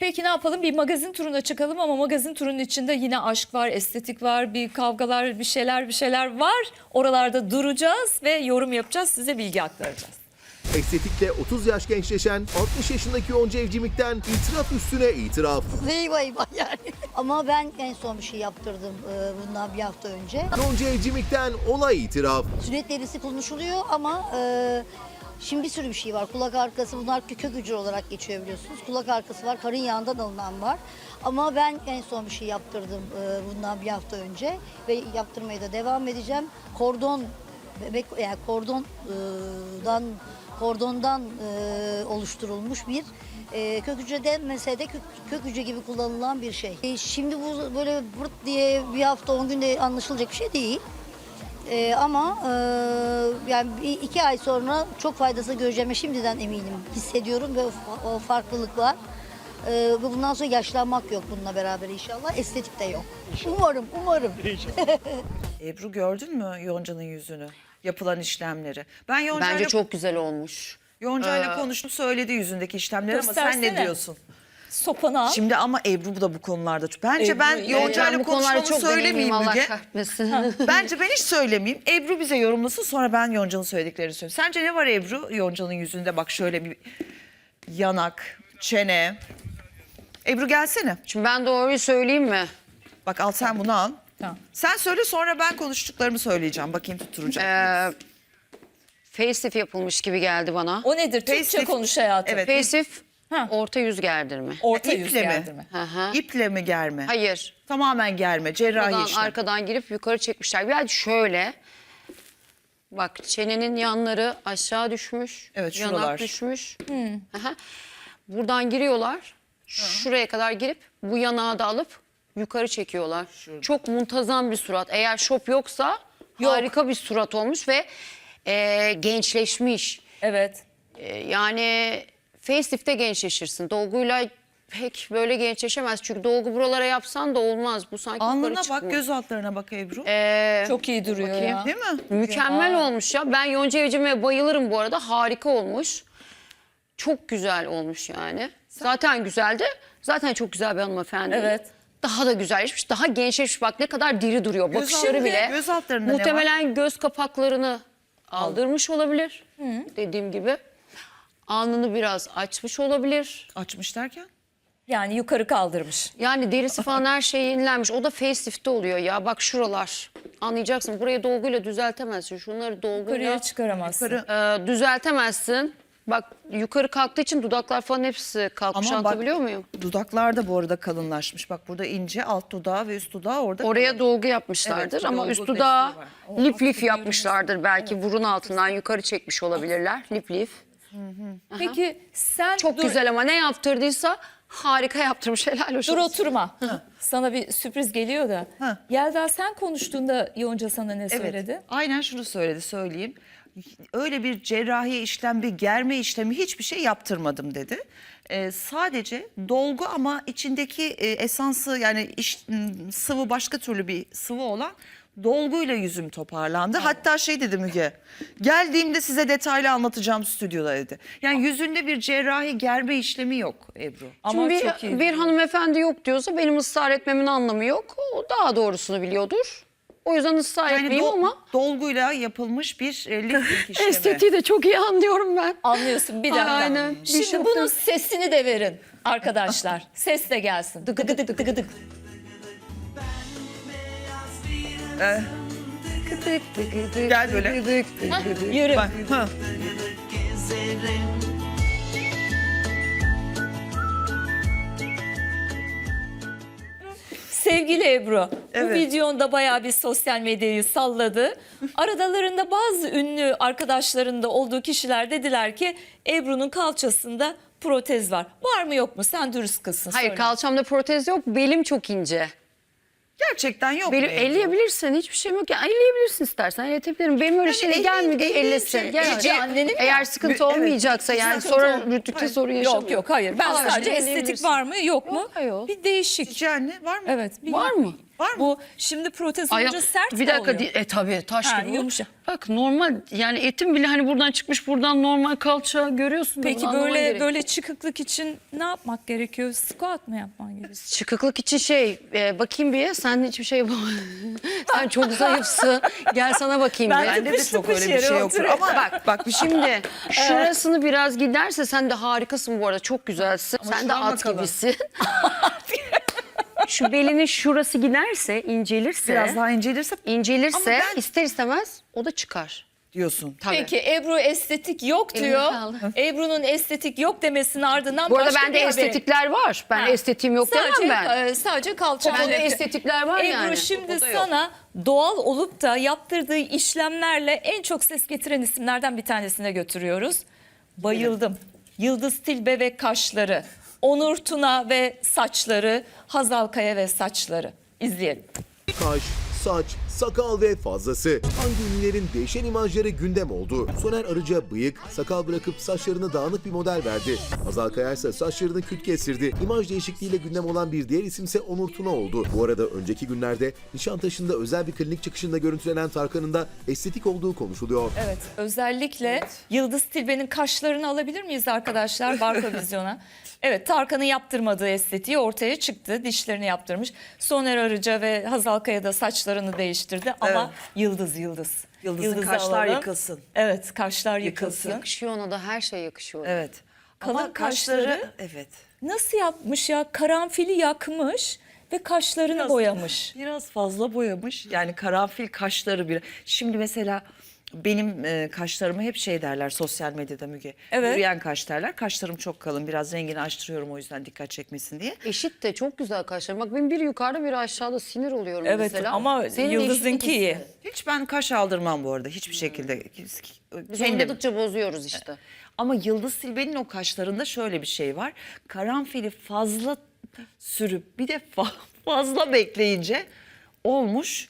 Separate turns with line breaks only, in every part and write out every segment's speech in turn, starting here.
Peki ne yapalım? Bir magazin turuna çıkalım ama magazin turunun içinde yine aşk var, estetik var, bir kavgalar, bir şeyler var. Oralarda duracağız ve yorum yapacağız, size bilgi aktaracağız.
Estetikle 30 yaş gençleşen 60 yaşındaki Yonca Evcimik'ten itiraf üstüne itiraf.
Eyvah eyvah yani. Ama ben en son bir şey yaptırdım bundan bir hafta önce.
Yonca Evcimik'ten olay itiraf.
Sünnet derisi konuşuluyor ama şimdi bir sürü bir şey var. Kulak arkası, bunlar kök hücre olarak geçiyor biliyorsunuz. Kulak arkası var, karın yağından alınan var. Ama ben en son bir şey yaptırdım bundan bir hafta önce ve yaptırmaya da devam edeceğim. Kordon, bebek yani kordondan oluşturulmuş bir kök hücre denmese de kök hücre gibi kullanılan bir şey. Şimdi bu böyle vırt diye bir hafta 10 günde anlaşılacak bir şey değil. Ama yani 2 ay sonra çok faydasını göreceğime şimdiden eminim, hissediyorum ve o farklılık var. Ve bundan sonra yaşlanmak yok bununla beraber inşallah. Estetik de yok. Umarım.
Ebru gördün mü Yonca'nın yüzünü? Yapılan işlemleri. Ben Yonca'yla
Bence çok güzel olmuş.
Yonca'yla konuştum, söyledi yüzündeki işlemleri ama sen ne
Göstersene.
diyorsun?
Sopanı al.
Şimdi ama Ebru da bu konularda. Bence
Ebru,
ben
evet.
Yonca'yla
bu konularda
konuşmamı
çok
söylemeyeyim
Allah
Müge.
kahretmesin.
Bence ben hiç söylemeyeyim. Ebru bize yorumlasın, sonra ben Yonca'nın söylediklerini söyleyeyim. Sence ne var Ebru Yonca'nın yüzünde? Bak şöyle bir yanak, çene. Ebru gelsene.
Şimdi ben doğruyu söyleyeyim mi?
Bak al sen bunu al.
Tamam.
Sen söyle, sonra ben konuştuklarımı söyleyeceğim. Bakayım tutturacak mıyız?
Facelift yapılmış gibi geldi bana.
O nedir? Türkçe
Facelift.
konuş hayatım.
Evet.
Facelift
Ha.
orta yüz gerdirme.
Orta yüz
İple mi?
gerdirme.
Hı hı.
İple mi germe?
Hayır.
Tamamen germe, cerrahi
Arkadan,
işlem.
arkadan girip yukarı çekmişler. Yani şöyle. Bak çenenin yanları aşağı düşmüş.
Evet,
Yanak
şuralar.
düşmüş. Hı hı. Buradan giriyorlar. Şuraya kadar girip bu yanağı da alıp yukarı çekiyorlar. Çok muntazam bir surat. Eğer şop yoksa harika bir surat olmuş ve gençleşmiş.
Evet.
Yani facelift'te gençleşirsin. Dolguyla pek böyle gençleşemez. Çünkü dolgu buralara yapsan da olmaz. Bu sanki
Alnına
yukarı
bak,
çıkmış.
göz altlarına bak Ebru.
Çok iyi duruyor
bakayım.
ya.
Değil mi?
Mükemmel olmuş ya. Ben Yonca Evcimik'e bayılırım bu arada. Harika olmuş. Çok güzel olmuş yani. Zaten güzeldi. Zaten çok güzel bir hanımefendi.
Evet.
Daha da güzelleşmiş, daha gençleşmiş. Bak ne kadar diri duruyor. Bakışları
altı-
bile.
göz altlarında ne var?
Muhtemelen göz kapaklarını aldırmış olabilir. Dediğim gibi. Alnını biraz açmış olabilir.
Açmış derken?
Yani yukarı kaldırmış.
Yani derisi falan her şey yenilenmiş. O da facelift'te oluyor ya. Bak şuralar. Anlayacaksın. Burayı dolguyla düzeltemezsin. Şunları dolguyla
Yukarıya çıkaramazsın.
düzeltemezsin. Bak yukarı kalktığı için dudaklar falan hepsi kalkmış.
Ama bak,
Anlatabiliyor muyum?
dudaklar da bu arada kalınlaşmış. Bak burada ince, alt dudağı ve üst dudağı orada.
Oraya dolgu yapmışlardır
Evet,
ama
dolgu
üst dudağı
desteği var.
lif lif yapmışlardır. Belki burun altından yukarı çekmiş olabilirler. Lif lif.
Peki sen
Çok güzel ama ne yaptırdıysa harika yaptırmış. Helal olsun.
Dur oturma. Sana bir sürpriz geliyor da.
Ha.
Yelda sen konuştuğunda Yonca sana ne
Evet.
söyledi?
Aynen şunu söyleyeyim. Öyle bir cerrahi işlem, bir germe işlemi, hiçbir şey yaptırmadım dedi. Sadece dolgu ama içindeki esansı, yani sıvı, başka türlü bir sıvı olan dolguyla yüzüm toparlandı. Hatta şey dedi Müge, geldiğimde size detaylı anlatacağım stüdyoda dedi. Yani yüzünde bir cerrahi germe işlemi yok Ebru.
Ama
Şimdi
çok iyi.
bir hanımefendi yok diyorsa benim ısrar etmemin anlamı yok. O daha doğrusunu biliyordur. O yüzden ısrar
Yani
etmeyeyim ama
dolguyla yapılmış bir lifting işlemi.
estetiği de çok iyi anlıyorum ben.
Anlıyorsun, bir dakika.
Aynen.
Şimdi
Bir
bunun
şokta-
sesini de verin arkadaşlar. Ses de gelsin. Dıgı dıgı dıgı dıgı dıgı.
Gel böyle.
Yürü.
Bak, ha.
Sevgili Ebru, bu
Evet.
videonda bayağı bir sosyal medyayı salladı. Aralarında bazı ünlü arkadaşlarında olduğu kişiler dediler ki Ebru'nun kalçasında protez var. Var mı yok mu? Sen dürüst kızsın.
Hayır
söyle.
kalçamda protez yok. Belim çok ince.
Gerçekten yok.
Benim
mu Ebru?
elleyebilirsin, hiçbir şeyim yok. Yani elleyebilirsin istersen, elletebilirim. Benim öyle şeyle gelmedi, ellesin. Gel.
Ece annenim
Eğer
ya.
sıkıntı
Evet,
olmayacaksa yani
sıkıntı
sonra
ol-
rütükte sorun yaşamıyor.
Yok hayır. Ben
Aa,
sadece
işte
estetik
elleyebilirsin.
var mı yok mu?
Yok, hayır.
Bir değişik.
Cici anne var mı?
Evet. Bir
Var mı?
Var mı?
Bu şimdi protez olunca sert
bir
mi
dakika
oluyor?
tabii taş
Ha,
gibi bu.
yumuşak.
Bak normal yani etim bile hani buradan çıkmış, buradan normal kalça görüyorsun. da
Peki
bunu anlaman
böyle
gerek.
böyle çıkıklık için ne yapmak gerekiyor? Squat mı yapman gerekiyor?
Çıkıklık için bakayım bir, sen hiçbir şey yapamadın. Sen çok zayıfsın. Gel sana bakayım
Ben
bir.
Bende de
tıpış
çok
tıpış
öyle bir şey
yere
yoktur.
oturuyorum.
Ama bak bir şey
Şimdi şurasını biraz giderse sen de harikasın bu arada. Çok güzelsin. sen
şu
de
an
at
bakalım.
gibisin. Şu belinin şurası giderse, incelirse,
biraz daha incelirse
incelirse
Ama ben-
ister istemez o da çıkar.
diyorsun.
Tabii.
Peki Ebru estetik yok
Eline
diyor.
sağlık.
Ebru'nun estetik yok demesinin ardından
Bu arada
başka
bende
bir haber.
estetikler var. Ben
Ha.
estetiğim yok
Sadece,
demem ben.
sadece kalça.
Bende estetikler var
Ebru
yani.
şimdi
O da yok.
sana doğal olup da yaptırdığı işlemlerle en çok ses getiren isimlerden bir tanesine götürüyoruz. Bayıldım. Yıldız Tilbe ve kaşları, Onur Tuna ve saçları, Hazal Kaya ve saçları. İzleyelim.
Kaş, saç, sakal ve fazlası. Hangi ünlülerin değişen imajları gündem oldu? Soner Arıca bıyık, sakal bırakıp saçlarını dağınık bir model verdi. Hazal Kaya ise saçlarını küt kestirdi. İmaj değişikliğiyle gündem olan bir diğer isimse Onur Tuna oldu. Bu arada önceki günlerde Nişantaşı'nda özel bir klinik çıkışında görüntülenen Tarkan'ın da estetik olduğu konuşuluyor.
Evet, özellikle Yıldız Tilbe'nin kaşlarını alabilir miyiz arkadaşlar Barka Vizyon'a? Evet, Tarkan'ın yaptırmadığı estetiği ortaya çıktı. Dişlerini yaptırmış. Soner Arıca ve Hazal Kaya da saçlarını değiştirdi ama Yıldız.
Yıldız'ın
Yıldız'ı
kaşlar
alalım.
yıkılsın.
Evet, kaşlar yıkılsın.
Yakışıyor ona da, her şey yakışıyor.
Evet.
Kalın
Ama kaşları
kaşları-
evet.
Nasıl yapmış ya? Karanfili yakmış ve kaşlarını boyamış.
Biraz fazla boyamış. Yani karanfil kaşları bir. Şimdi mesela benim kaşlarımı hep şey derler sosyal medyada Müge.
Evet.
Yürüyen kaş derler. Kaşlarım çok kalın. Biraz rengini açtırıyorum o yüzden dikkat çekmesin diye.
Eşit de çok güzel kaşlar. Bak benim biri yukarıda biri aşağıda, sinir oluyorum
Evet
mesela.
ama
Senin de
Yıldız'ınki
eşitlik
iyi.
iste.
Hiç ben kaş aldırmam bu arada. Hiçbir şekilde.
Biz
Kendim.
oynadıkça bozuyoruz işte.
Ama Yıldız Tilbe'nin o kaşlarında şöyle bir şey var. Karanfili fazla sürüp bir de fazla bekleyince olmuş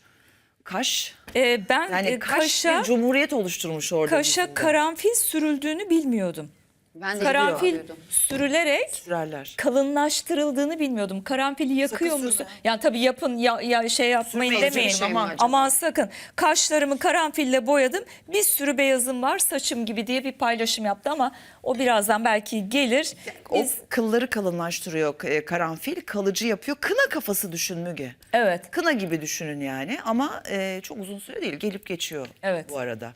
kaş.
Ben
Yani kaş
kaşa,
bir cumhuriyet oluşturmuş orada.
kaşa
yüzünde.
karanfil sürüldüğünü bilmiyordum.
Ben de
Karanfil
biliyordum.
sürülerek
Sürerler.
kalınlaştırıldığını bilmiyordum. Karanfili yakıyor
Sakın
musun?
sürme.
Yani tabii yapın ya şey yapmayın
Sürmeyin,
demeyin.
sürmeyin
ama.
Aman sakın. Kaşlarımı karanfille boyadım. Bir sürü beyazım var saçım gibi diye bir paylaşım yaptı ama o birazdan belki gelir.
O kılları kalınlaştırıyor karanfil, kalıcı yapıyor. Kına kafası düşün Müge.
Evet.
Kına gibi düşünün yani ama çok uzun süre değil, gelip geçiyor
Evet.
bu arada.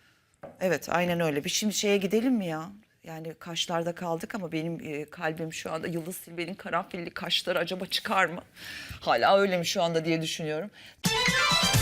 Evet, aynen öyle. Bir şimdi şeye gidelim mi ya? Yani kaşlarda kaldık ama benim kalbim şu anda Yıldız Tilbe'nin karanfilli kaşları acaba çıkar mı? Hala öyle mi şu anda diye düşünüyorum.